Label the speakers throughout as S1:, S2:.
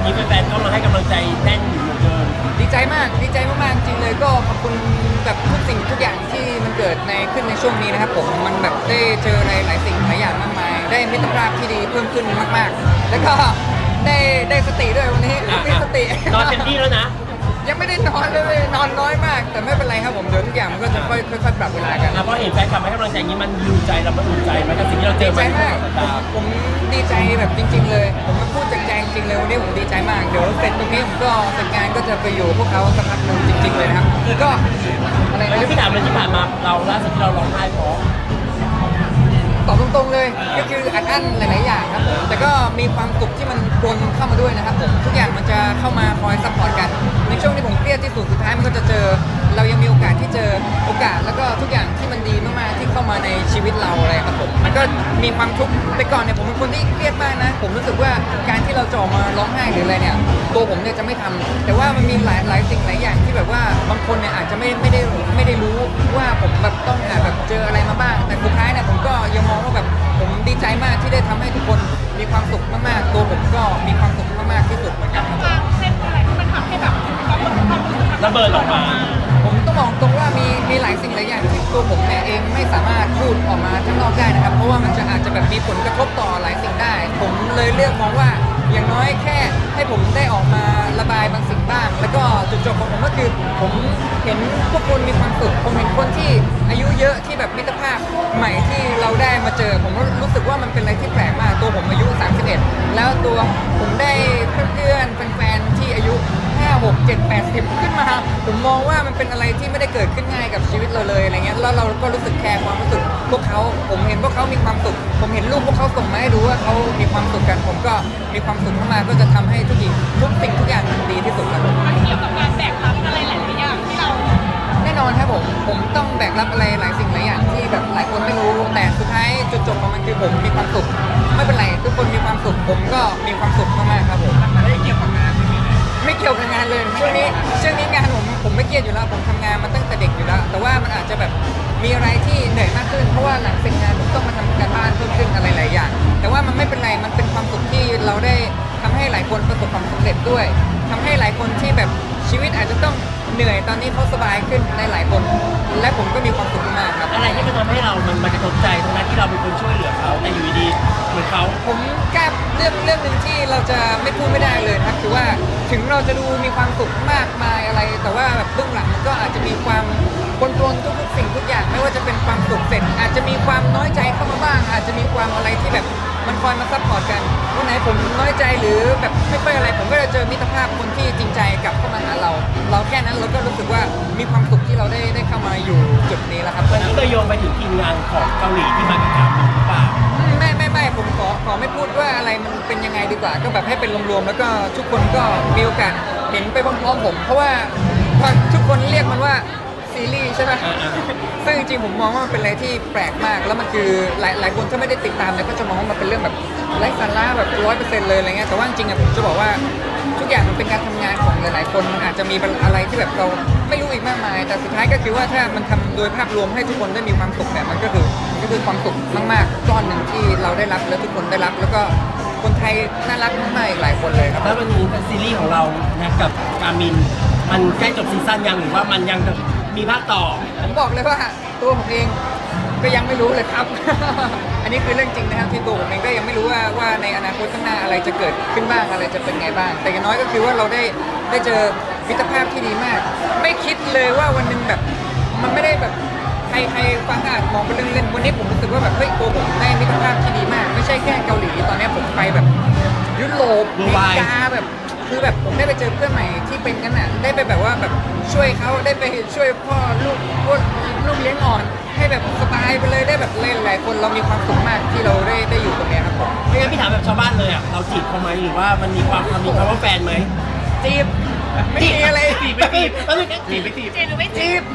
S1: นี้แฟนๆก็มาให้กำลังใจแน่นอยู่เหมือนเดิม
S2: ดีใจมากดีใจมากๆจริงเลยก็ขอบคุณแบบทุกสิ่งทุกอย่างที่มันเกิดขึ้นในช่วงนี้นะครับผมมันแบบได้เจอหลายสิ่งหลายอย่างมากมายได้มิตรภาพที่ดีเพิ่มขึ้นมากๆแล้วก็ได้สติด้วยวันนี้มีสติ
S1: นอนเต็มที่แล้วนะ
S2: ยังไม่ได้นอนเลยนอนน้อยมาก แต่ไม่เป็นไรครับผมเดี๋ยวทุกอย่างมันก็จะค่อยๆปรับเวลากัน
S1: เพราะเห็นแฟนคลับให้กำลังใจนี้มันยูใจเรามันอุ่นใจไหมกับสิ่งที่เราเจอ
S2: ดีใจมากผมดีใจแบบจริงๆเลยผมมาพูดจากใจจริงๆเลยวันนี้ผมดีใจมากเดี๋ยวเสร็จตรงนี้ผมก็เสร็จงานก็จะไปอยู่พวกเขาสักพักหนึ่งจริงๆเลยนะครับก็อะไรนะ
S1: พี่ถามเลยที่ผ่านมาเราล่าสุดที่เราร้องไห้เพราะ
S2: ตอบตรงๆเลยก็คืออัดอั้นหลายๆอย่างครับผมแต่ก็มีความสุขที่มันปนเข้ามาด้วยนะครับผมทุกอย่างมันจะเข้ามาคอยซัพพอร์ตกันในช่วงที่ผมเครียดที่สุดสุดท้ายมันก็จะเจอเรายังมีโอกาสที่เจอโอกาสแล้วก็ทุกอย่างที่มันดีมากๆที่เข้ามาในชีวิตเราอะไรครับผมมันก็มีความทุกข์แต่ก่อนเนี่ยผมเป็นคนที่เครียดมากนะผมรู้สึกว่าการที่เราจะออกมาร้องไห้หรืออะไรเนี่ยตัวผมเนี่ยจะไม่ทำแต่ว่ามันมีหลายสิ่งหลายอย่างที่แบบว่าบางคนเนี่ยอาจจะไม่ได้รู้ว่าผมแบบต้องแบบเจออะไรมาบ้างแต่สุดท้ายเนี่ยผมก็ยังมองว่าแบบผมดีใจมากที่ได้ทำให้ทุกคนมีความสุขมากๆตัวผมก็มีความสุขมากๆที่สุดเหมือนกันครับ
S3: เส้นอะไรที่มันทำให้แบบความรู้สึก
S1: ระเบิดออกมา
S2: ผมต้องบอกตรงว่ามีหลายสิ่งหลายอย่างที่ตัวผมเนี่ยเองไม่สามารถพูดออกมาข้างนอกได้นะครับเพราะว่ามันอาจจะแบบมีผลกระทบต่อหลายสิ่งได้ผมเลยเลือกมองว่าอย่างน้อยแค่ให้ผมได้ออกมาระบายบางสิ่งบ้างแล้วก็จุดจบของผมก็คือผมเห็นพวกคุณมีความสุขผมเห็นคนที่อายุเยอะที่แบบมิตรภาพใหม่ที่เราได้มาเจอผมก็รู้สึกว่ามันเป็นอะไรที่แปลกมากตัวผมอายุ31แล้วตัวผมได้เพื่อนๆแฟนๆที่อายุ5 6 7 8 10ขึ้นมาผมมองว่ามันเป็นอะไรที่ไม่ได้เกิดขึ้นง่ายกับชีวิตเราเลยอะไรเงี้ยแล้วเราก็รู้สึกแคร์ความรู้สึกพวกเขาผมเห็นพวกเขามีความสุขผมเห็นรูปพวกเขาส่งมาให้ดูว่าเขามีความสุขกันผมก็มีความสุขเข้ามาก็จะทำให้ทุกสิ่งทุกอย่างมันดีที่สุดครับ
S3: มันเกี่ยวกับการแบกรับอะไรหลายๆอย่างที่เรา
S2: แน่นอนครับผมต้องแบกรับอะไรหลายสิ่งหลายอย่างที่แบบหลายคนไม่รู้แต่สุดท้ายจุดจบของมันคือผมมีความสุขไม่เป็นไรทุกคนมีความสุขผมก็มีความสุขมากๆครับผม
S3: ไม่เกี่ยวกับงาน
S2: ไม่เกี่ยวกับงานเลยช่วงนี้งานผมไม่เครียดอยู่แล้วผมทำงานมาตั้งแต่เด็กอยู่แล้วแต่ว่ามันอาจจะแบบมีอะไรที่เหนื่อยมากขึ้นเพราะว่าหลังเสร็จงานผมต้องมาทำการบ้านเพิ่มขึ้นอะไรหลายอย่างแต่ว่ามันไม่เป็นไรมันเป็นความสุขที่เราได้ทำให้หลายคนประสบความสำเร็จด้วยทำให้หลายคนที่แบบชีวิตอาจจะต้องเหนื่อยตอนนี้เขาสบายขึ้นในหลายคนและผมก็มีความสุขมากครับ
S1: อะไรที่มันทำให้เรามันกระทบใจตรงนั้นที่เราเป็นคนช่วยเหลือเขาแต่อยู่ดีเหมือนเขา
S2: ผมกล้าเรื่องหนึ่งที่เราจะไม่พูดไม่ได้เลยนะครับคือว่าถึงเราจะดูมีความสุขมากมายอะไรแต่ว่าแบบเบื้องหลังมันก็อาจจะมีความปนทุกสิ่งทุกอย่างไม่ว่าจะเป็นความสุขเสร็จอาจจะมีความน้อยใจเข้ามาบ้างอาจจะมีความอะไรที่แบบมันคอยมาซัพพอร์ตกันวันไหนผมน้อยใจหรือแบบไม่ค่อยอะไรผมก็จะเจอมิตรภาพคนที่จริงใจกลับเข้ามาหาเราแค่นั้นเราก็รู้สึกว่ามีความสุขที่เราได้เข้ามาอยู่จุดนี้แล้วครับ
S1: วันนี้เลยโยงไปถึงทีมงานของเกาหลีที่มากับถามหรือเปล่า
S2: ไม่ผมขอไม่พูดว่าอะไรมันเป็นยังไงดีกว่าก็แบบให้เป็นรวมๆแล้วก็ทุกคนก็มีโอกาสเห็นไปพร้อมๆผมเพราะว่าทุกคนเรียกมันว่าซีรีส์ใช่ไหมซึ่งจริงๆผมมองว่ามันเป็นอะไรที่แปลกมากแล้วมันคือหลายคนถ้าไม่ได้ติดตามเนี่ยก็จะมองว่ามันเป็นเรื่องแบบไร้สาระแบบ100%เลยอะไรเงี้ยแต่ว่าจริงๆอะผมจะบอกว่าทุกอย่างมันเป็นการทำงานของหลายๆคนมันอาจจะมีอะไรที่แบบเราไม่รู้อีกมากมายแต่สุดท้ายก็คือว่าถ้ามันทำโดยภาพรวมให้ทุกคนได้มีความสุขเนี่ยมันก็คือความสุขมากๆก้อนหนึ่งที่เราได้รับและทุกคนได้รับแล้วก็คนไทยน่ารักมากๆอีกหลายคนเลยครับ
S1: แล้ววันนี้ซีรีส์ของเรานะกับกามินมันใกล้จบซีซั่นยังหรือว่ามันยังมีภาคต่อ
S2: ผมบอกเลยว่าตัวผมเองก็ยังไม่รู้เลยครับ อันนี้คือเรื่องจริงนะครับที่ตัวผมเองก็ยังไม่รู้ว่าในอนาคตข้างหน้าอะไรจะเกิดขึ้นบ้างอะไรจะเป็นไงบ้างแต่อย่างน้อยก็คือว่าเราได้เจอมิตรภาพที่ดีมากไม่คิดเลยว่าวันหนึ่งแบบมันไม่ได้แบบใครฟังอาจมองเป็นเรื่องเล่นวันนี้ผมรู้สึกว่าแบบเฮ้ยตัวผมได้มิตรภาพที่ดีมากไม่ใช่แค่เกาหลีตอนนี้ผมไปแบบยุโรปอเมริกาแบบคือแบบผมได้ไปเจอเพื่อนใหม่ที่เป็นกันน่ะได้ไปแบบว่าแบบช่วยเขาได้ไปช่วยพ่อลูกเลี้ยงอ่อนให้แบบสบายไปเลยได้แบบหลายคนเรามีความสุขมากที่เราได้อยู่ตรงนี้ครับผม
S1: ไม่งั้นพี่ถามแบบชาวบ้านเลยอ่ะเราจีบเขาไหมหรือว่ามันมีความคำว่าแฟนไหม
S2: จีบไม่มีอะไร
S1: จีบไม่จีบ
S3: จีบหรือไม่จีบ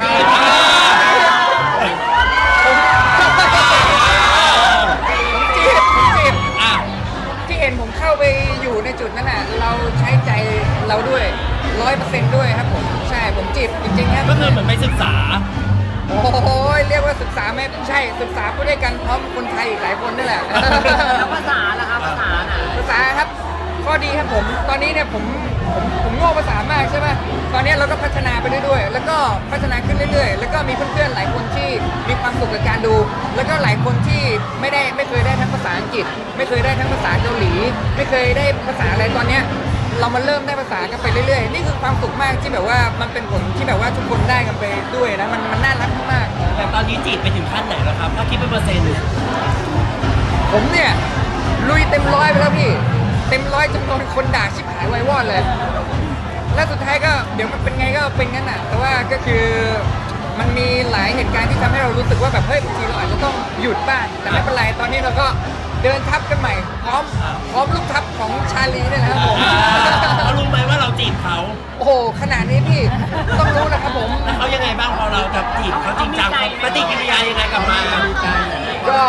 S2: ที่เห็นผมเข้าไปอยู่ในจุดนั้นน่ะเราใช้ใจเราด้วย100%ด้วยครับผมใช่ผมจีบจริงๆครับ
S1: ก็คือเหมือนไปศึกษา
S2: โอ้โหเรียกว่าศึกษาไม่ใช่ศึกษาไปด้วยกันพร้อมคนไทยอีกหลายคนนี่แหละ
S3: แล้วภาษาล่ะครับภาษา
S2: ครับข้อดีครับผมตอนนี้เนี่ยผมโง่ภาษามากใช่ไหมตอนนี้เราก็พัฒนาไปเรื่อยๆแล้วก็พัฒนาขึ้นเรื่อยๆแล้วก็มีเพื่อนๆหลายคนที่มีความสุขกับการดู แล้วก็หลายคนที่ไม่เคยได้ทั้งภาษาอังกฤษ ไม่เคยได้ทั้งภาษาเกาหลี ไม่เคยได้ภาษาอะไรตอนเนี้ยเรามาเริ่มได้ภาษากันไปเรื่อยๆนี่คือความสุขมากที่แบบว่ามันเป็นผลที่แบบว่าทุกคนได้กันไปด้วยนะมันน่ารักมาก
S1: แต่ตอนนี้จีบไปถึงขั้นไหนแล้วครับถ้าคิดเป็นเปอร์เซ็นต์
S2: ผมเนี่ยลุยเต็มร้อยไปแล้วพี่เต็มร้อยจนโดนคนด่าชิบหายไวายวอดเลย แล้วสุดท้ายก็เดี๋ยวมันเป็นไงก็เป็นงั้นน่ะแต่ว่าก็คือมันมีหลายเหตุการณ์ที่ทำให้เรารู้สึกว่าแบบเฮ้ยบางทีเราอาจจะต้องหยุดบ้างแต่ไม่เป็นไรตอนนี้เราก็เดินทับกันใหม่พร้อมลูกทับของชาลีเนี่ยนะครับผม
S1: เขารู้ไหมว่าเราจีบเขา
S2: โอ้โหขนาดนี้พี่ต้องรู้นะครับผม
S1: แล้วเขายังไงบ้างพอเราจะจีบเขาจริงจังเขาปฏิกิริยายังไงกลับมา
S2: ก็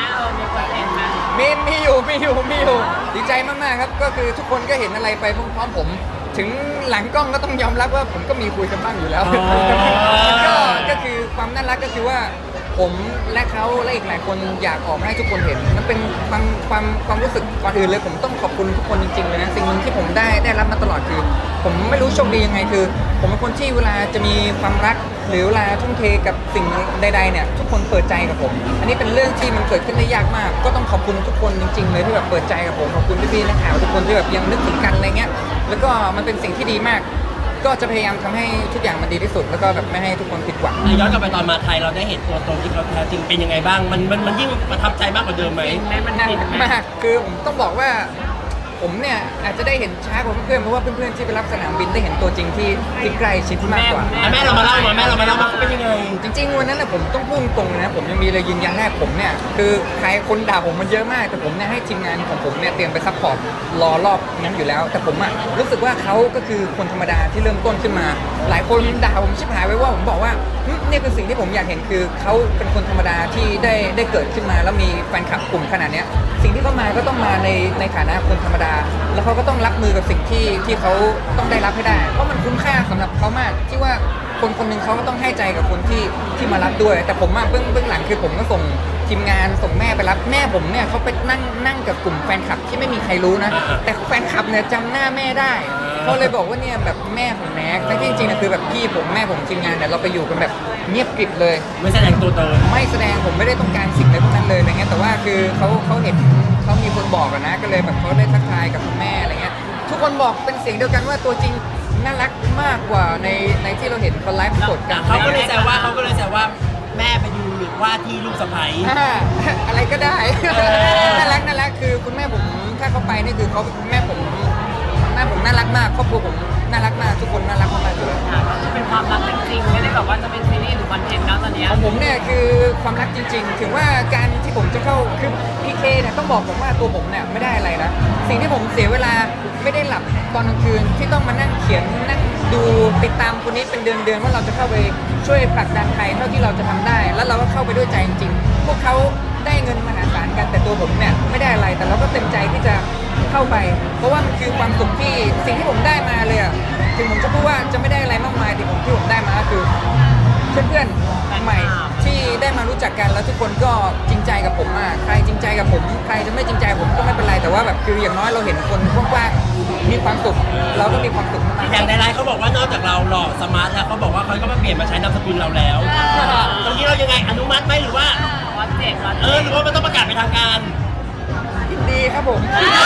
S2: มีอยู่ดีใจมากๆครับก็คือทุกคนก็เห็นอะไรไปพร้อมๆผม ถึงหลังกล้องก็ต้องยอมรับว่าผมก็มีคุยกันบ้างอยู่แล้ว ก็คือความน่ารักก็คือว่าผมและเขาและอีกหลายคนอยากออกมาให้ทุกคนเห็นมันเป็นความรู้สึกก่อนอื่นเลยผมต้องขอบคุณทุกคนจริงๆเลยนะสิ่งหนึ่งที่ผมได้รับมาตลอดคือ ผมไม่รู้โชคดียังไงคือ ผมเป็นคนที่เวลาจะมีความรักหรือเวลาทุ่มเทกับสิ่งใดๆเนี่ยทุกคนเปิดใจกับผม อันนี้เป็นเรื่องที่มันเกิดขึ้นได้ยากมาก ก็ต้องขอบคุณทุกคนจริงๆเลยที่แบบเปิดใจกับผมขอบคุณพี่ๆนักข่าวทุกคนที่แบบยังนึกถึงกันอะไรเงี้ยแล้วก็มันเป็นสิ่งที่ดีมาก ก็จะพยายามทำให้ทุกอย่างมันดีที่สุด แล้วก็แบบไม่ให้ทุกคนผิดหวัง
S1: ย้อนกลับไปตอนมาไทยเราได้เห็นตัวตนที่เขาแท้จริงเป็นยังไงบ้างมันยิ่งประทับใจมากกว่าเดิมไหม
S2: มันหนักมากคือผมต้องบอกว่าผมเนี่ยอาจจะได้เห็นช้ากว่าเพื่อนๆเพราะว่าเพื่อนๆที่ไปรับสนามบินได้เห็นตัวจริงที่ใกล้ชิดมากกว่า
S1: แม่เรามาเล่ามาเขาเป็นยังไง
S2: จริงๆวันนั้นนะผมต้องพูดตรงเลยนะผมยังมีเลยยืนยันแรกผมเนี่ยคือใครคนด่าผมมันเยอะมากแต่ผมเนี่ยให้ทีมงานของผมเนี่ยเตรียมไปซัพพอร์ตรอรอบนั้นอยู่แล้ว แต่ผมอะรู้สึกว่าเขาก็คือคนธรรมดาที่เริ่มต้นขึ้นมา หลายคนด่าผมชิบหายไว้ว่าผมบอกว่านี่คือสิ่งที่ผมอยากเห็นคือเขาเป็นคนธรรมดาที่ได้เกิดขึ้นมาแล้วมีแฟนคลับกลุ่มขนาดเนี้ยสิ่งที่เขามาก็ต้องมาในฐานะคนธรรมดา แล้วเขาก็ต้องรับมือกับสิ่งที่เขาต้องได้รับให้ได้ เพราะมันคุ้มค่าสำหรับเขามากที่ว่าคนคนหนึ่งเขาก็ต้องให้ใจกับคนที่มารับด้วย แต่ผมเบื้องหลังคือผมก็ส่งทีมงานส่งแม่ไปรับแม่ผมเนี่ยเขาไปนั่งกับกลุ่มแฟนคลับที่ไม่มีใครรู้นะ แต่แฟนคลับเนี่ยจำหน้าแม่ได้เขาเลยบอกว่าเนี่ยแบบแม่ของแม็กแต่ที่จริงๆนะคือแบบพี่ผมแม่ผมทีมงานเนี่ยเราไปอยู่กันแบบเงียบกริบเลย
S1: ไม่แสดงตัวตน
S2: ไม่แสดงผมไม่ได้ต้องการสิ่งอะไรพวกนั้นเลยอะไรเงี้ยแต่ว่าคือเขาเห็นเขามีคนบอกอะนะก็เลยแบบเขาได้ทักทายกับคุณแม่อะไรเงี้ยทุกคนบอกเป็นเสียงเดียวกันว่าตัวจริงน่ารักมากกว่าในที่เราเห็นเขาไลฟ์สดกัน
S1: เขาก็เลยแซวว่าแม่ไปดูว่าที่ลูกสะใภ้
S2: อะไรก็ได้ น่ารักคือคุณแม่ผมถ้าเขาไปนี่คือเขาแม่ผมน่ารักมากครอบครัวผมน่ารักมากทุกคนน่ารักมากๆอยู่แล้ว
S3: เป็นความรักจริงๆไม่ได้แบบว่าจะเป็นซีรีส์หรือคอนเทนต์แล้วตอนนี้
S2: ของผมเนี่ยคือความรักจริงๆ ถึงว่าการที่ผมจะเข้าคือพีเคเนี่ยต้องบอกผมว่าตัวผมเนี่ยไม่ได้อะไรนะสิ่งที่ผมเสียเวลาไม่ได้หลับตอนกลางคืนที่ต้องมานั่งเขียนนั่งดูติดตามคนนี้เป็นเดือนๆว่าเราจะเข้าไปช่วยผลักดันไทยเท่าที่เราจะทำได้ แล้วเราก็เข้าไปด้วยใจจริงๆพวกเขาได้เงินมหาศาลกันแต่ตัวผมเนี่ยไม่ได้อะไรแต่เราก็เต็มใจที่จะเข้าไป เพราะว่ามันคือความสุขที่สิ่งที่ผมได้มาเลยอะถึงผมจะพูดว่าจะไม่ได้อะไรมากมายแต่ที่ผมได้มาก็คือ เพื่อนๆใหม่ที่ได้มารู้จักกันแล้วทุกคนก็จริงใจกับผมมากใครจริงใจกับผมใครจะไม่จริงใจกับผมก็ไม่เป็นไรแต่ว่าแบบคืออย่างน้อยเราเห็นคนกว้างๆมีความสุขเราก็มีความสุขมาก
S1: อย่างในไลน์เขาบอกว่านอกจากเราหล่อสมาร์ทแล้วเขาบอกว่าเขาก็มาเปลี่ยนมาใช้นามสกุลเราแล้วตรงนี้เรายังไงอนุมัติไหมหรือว่า
S3: วัดเจ็ดวัด
S1: หรือว่ามันต้องประกาศเป็นทางการ
S2: ยินดีครับผม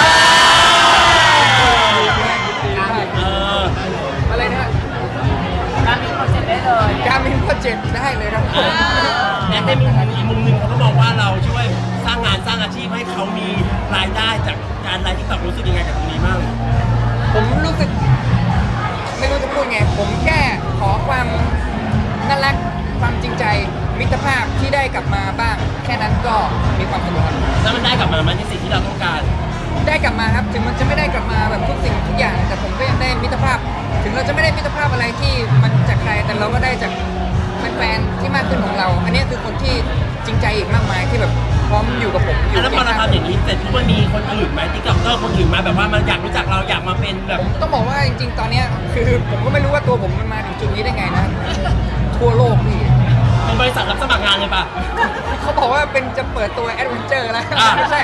S1: เออ
S2: อะไรนะ
S3: การมีโปรเจกต์ได้เลย
S2: การมินโปรเจกต์ได้เลยครับผม
S1: และในอีกมุมหนึ่งเขาก็มองว่าเราช่วยสร้างงานสร้างอาชีพให้เขามีรายได้จากการไลฟ์ที่ตอบรู้สึกยังไงกับตรงนี้บ้าง
S2: ผมรู้สึกไม่รู้จะพูดไงผมแค่ขอความน่ารักความจริงใจมิตรภาพที่ได้กลับมาบ้าง แค่นั้นก็มีความสุขครับ
S1: แล้วมันได้กลับมาไหมในสิ่งที่เราต้องการ
S2: ได้กลับมาครับถึงมันจะไม่ได้กลับมาแบบทุกสิ่งทุกอย่าง แต่ผมก็ยังได้มิตรภาพ ถึงเราจะไม่ได้มิตรภาพอะไรที่มันจากใครแต่เราก็ได้จากแฟนๆที่มากขึ้นของเรา อันนี้คือคนที่จริงใจอีกมากมายที่แบบพร้อมอยู่กับผมอยู่
S1: แล้วพอเราทำอย่างนี้เสร็จทุกวันมีคนอื่นไหมติ๊กต็อกเตอร์คนอื่นมาแบบว่ามันอยากรู้จักเราอยากมาเป็นแบบ
S2: ผมต้องบอกว่าจริงๆตอนเนี้ยคือผมก็ไม่รู้ว่าตัวผมมันมาถึงจุดนี้ได้ไงนะทั่วโลกพี่
S1: เป็นบริษัทรับสมัครงานเลยปะ
S2: เขาบอกว่าเป็นจะเปิดตัวแอดเวนเจอร์แล้ว
S1: อ่า
S2: ไม่ใช่ก็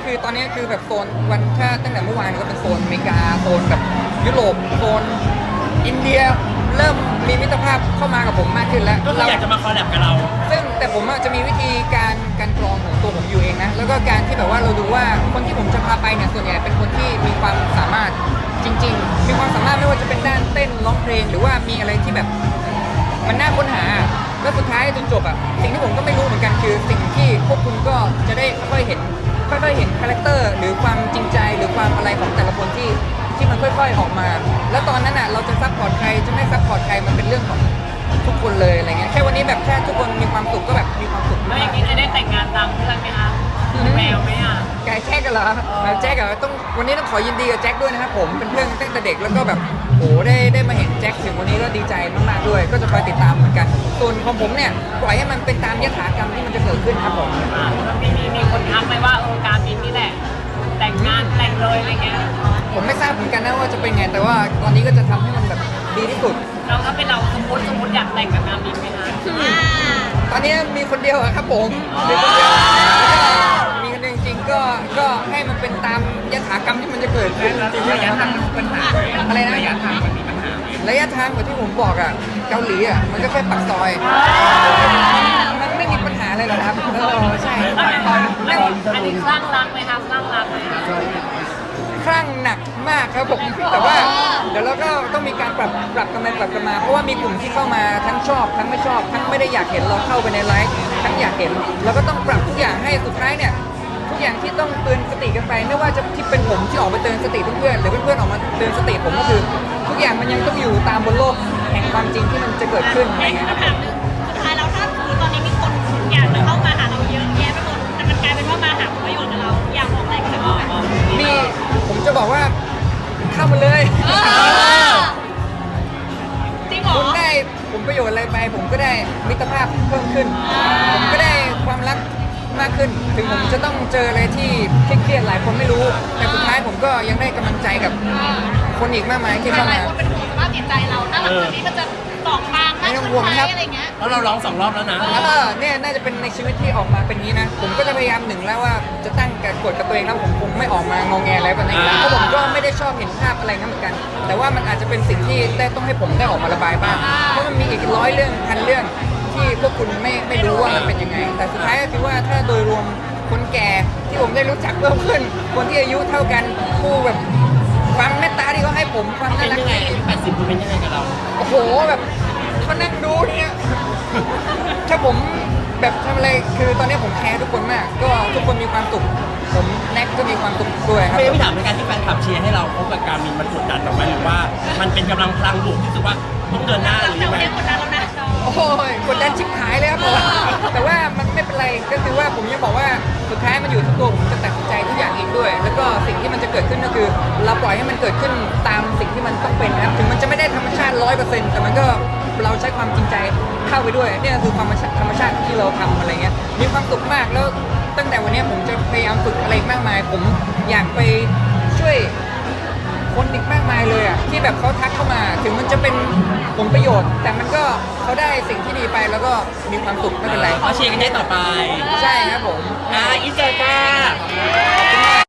S2: คือตอนนี้คือแบบโซนวันถ้าตั้งแต่เมื่อวานก็เป็นโซนอเมริกาโซนแบบยุโรปโซนอินเดียเริ่มมีมิตรภาพเข้ามากับผมมากขึ้นแล้ว
S1: ก็คืออยากจะมาคอลแลบกับเรา
S2: ซึ่งแต่ผมอะจะมีวิธีการกรองของตัวผมอยู่เองนะแล้วก็การที่แบบว่าเราดูว่าคนที่ผมจะพาไปเนี่ยส่วนใหญ่เป็นคนที่มีความสามารถจริง ๆ มีความสามารถไม่ว่าจะเป็นด้านเต้นร้องเพลงหรือว่ามีอะไรที่แบบมันน่าค้นหาแล้วสุดท้ายจนจบอะสิ่งที่ผมก็ไม่รู้เหมือนกันคือสิ่งที่พวกคุณก็จะได้ค่อยๆเห็นคาแรคเตอร์หรือความจริงใจหรือความอะไรของแต่ละคนที่มันค่อยๆออกมา แล้วตอนนั้นอ่ะเราจะซัพพอร์ตใครจะไม่ซัพพอร์ตใครมันเป็นเรื่องของทุกคนเลยอะไรเงี้ยแค่วันนี้แบบแค่ทุกคนมีความสุขก็แบบมีความสุข
S3: แล้วอย่างนี้จะได้แต่งงานตามเพื่อนไหมคะแมวไหมอ่ะ
S2: แกแจ็คกันเหรอแจ็คอะต้องวันนี้ต้องขอยินดีกับแจ็คด้วยนะครับผมเป็นเพื่อนตั้งแต่เด็กแล้วก็แบบโอ้ได้มาเห็นแจ็คถึงวันนี้ก็ดีใจมากๆด้วย ก็จะคอยติดตามเหมือนกันส่วนของผมเนี่ยปล่อยให้มันเป็นตามยถากรรมที่มันจะเกิดขึ้นครับผม
S3: มีคนทักไหมว่าการบินนี่แหละ แต่งงานแต่งเลยอะไรเงี้ย
S2: ผมไม่ทราบเหมือนกันนะว่าจะเป็นไงแต่ว่าตอนนี้ก็จะทำให้มันแบบดีที่สุด
S3: เราถ้าเป็นเราสมมติอยากแต่งกับการบินไหมคะ
S2: ตอนนี้มีคนเดียวอะครับผมมีคนเดียวแล้วก็มีคนเดียวจริงๆก็ให้มันเป็นตามยถากรรมที่มันจะเกิดขึ้น
S1: ระยะทางมันปัญหา
S2: อะไรนะ
S1: ระยะทางมันมีปัญหา
S2: ระยะทางเหมือนที่ผมบอกอ่ะเกาหลีอ่ะมันก็แค่ปากซอยมันไม่มีปัญหาอะไรหรอกครับใช่ปากซอยนั่ง
S3: อันนี้คลั่งรักไหมคะคลั่งรักไหมคะ
S2: คลั่งหนักมากครับผมแต่ว่าเดี๋ยวเราก็ต้องมีการปรับกันไปปรับกันมา เพราะว่ามีกลุ่มที่เข้ามาทั้งชอบทั้งไม่ชอบทั้งไม่ได้อยากเห็นเราเข้าไปในไลฟ์ทั้งอยากเห็นเราก็ต้องปรับทุกอย่างให้สุดท้ายเนี่ยทุกอย่างที่ต้องเตือนสติกันไปไม่ว่าจะที่เป็นผมที่ออกมาเตือนสติเพื่อนๆหรือเพื่อนๆออกมาเตือนสติผมก็คือ ทุกอย่างมันยังต้องอยู่ตามบนโลกแห่งความจริงที่มันจะเกิดขึ้นอะไรเงี้ยครับ
S4: คำถามหนึ่งสุดท้ายแล้วถ้าสมมติตอนนี้มีคนอยากจะเข้ามาหาเราเยอะแยะไปหมดแต่มันกลายเป็นว่ามาหาผลประโยชน์กับเราอยากบอกอะไรกับเขาไหม
S2: มีผมจะบอกว่าเข้ามาเลย
S4: จริงเหรอ
S2: คุณได้ผลประโยชน์อะไรไปผมก็ได้มิตรภาพเพิ่มขึ้น ผมก็ได้ความรักมากขึ้น ถึงผมจะต้องเจออะไรที่เครียดๆหลายคนไม่รู้ แต่สุดท้ายผมก็ยังได้กำลังใจกับคนอีกมากมายที่เข้า
S4: หลาย
S2: มา
S4: คนเป็นห่วงสภาพจิตใจเราถ้าหลังจากนี้มันจะตอกบางมากขึ้นไหมอะไรเงี้ย
S1: เพราะเราร้อง2 รอบแล้วนะ
S2: เนี่ยน่าจะเป็นในชีวิตที่ออกมาเป็นงี้นะ ผมก็จะพยายามหนึ่งแล้วว่าจะตั้งกฎกับตัวเองแล้วผมคงไม่ออกมางงแงอะไรแบบนี้แล้วเพราะผมก็ไม่ได้ชอบเห็นภาพอะไรนั้นเหมือนกัน แต่ว่ามันอาจจะเป็นสิ่งที่ได้ต้องให้ผมได้ออกมาระบายบ้างเพราะมันมีอีก100 เรื่องพันเรื่องที่พวกคุณไม่รู้ว่ามันเป็นยังไง แต่สุดท้ายก็คือว่าถ้าโดยรวมคนแก่ที่ผมได้รู้จักเพิ่มขึ้น คนที่อายุเท่ากันผู้แบบความเมตตาที่เขาให้ผมความ
S1: เป็
S2: น่าน รัก
S1: ยังไง
S2: ที่
S1: อายุ80คุณเป็นยังไงกับเรา
S2: โอ้โหแบบเขานั่งดูเนี่ยถ้าผมแบบทำอะไรคือตอนนี้ผมแคร์ทุกคนมาก ก็ทุกคนมีความสุขผมแน็กก็มีความสุขด้วยครับ
S1: ไม่ถามในการที่แฟนคลับเชียร์ให้เราพบกับการมินมันกดดันเราไหมหรือว่ามันเป็นกำลังพลังบวกที่สุดว่าต้องเดินหน้าหรือ
S4: แต่
S1: ยัง
S4: วัน
S1: ไง
S4: นี้กดดันแล้วนะ
S2: โอ้ยกดดันชิบหายเลยครับผมแต่ว่ามันไม่เป็นไรก็คือว่าผมยังบอกว่าสุดท้ายมันอยู่ที่ตัวผมจะตัดสินใจทุกอย่างเองด้วย แล้วก็สิ่งที่มันจะเกิดขึ้นก็คือ เราปล่อยให้มันเกิดขึ้นตามสิ่งที่มันต้องเป็นนะครับถึงมันจะไม่ได้ธรรมชาติ 100%แต่มันก็เราใช้ความจริงใจเข้าไปด้วยเนี่ยคือความธรรมชาติที่เราทำอะไรเงี้ยมีความสุขมากแล้วตั้งแต่วันนี้ผมจะพยายามฝึกอะไรมากมาย ผมอยากไปช่วยคนอีกมากมายเลยอ่ะที่แบบเขาทักเข้ามาถึงมันจะเป็นผลประโยชน์ แต่มันก็เขาได้สิ่งที่ดีไปแล้วก็มีความสุขไม่เป็นไร
S1: เขาเชียร์กันได้ต่อไป
S2: ใช่ครับผม
S1: อินเสิร์ตค่ะ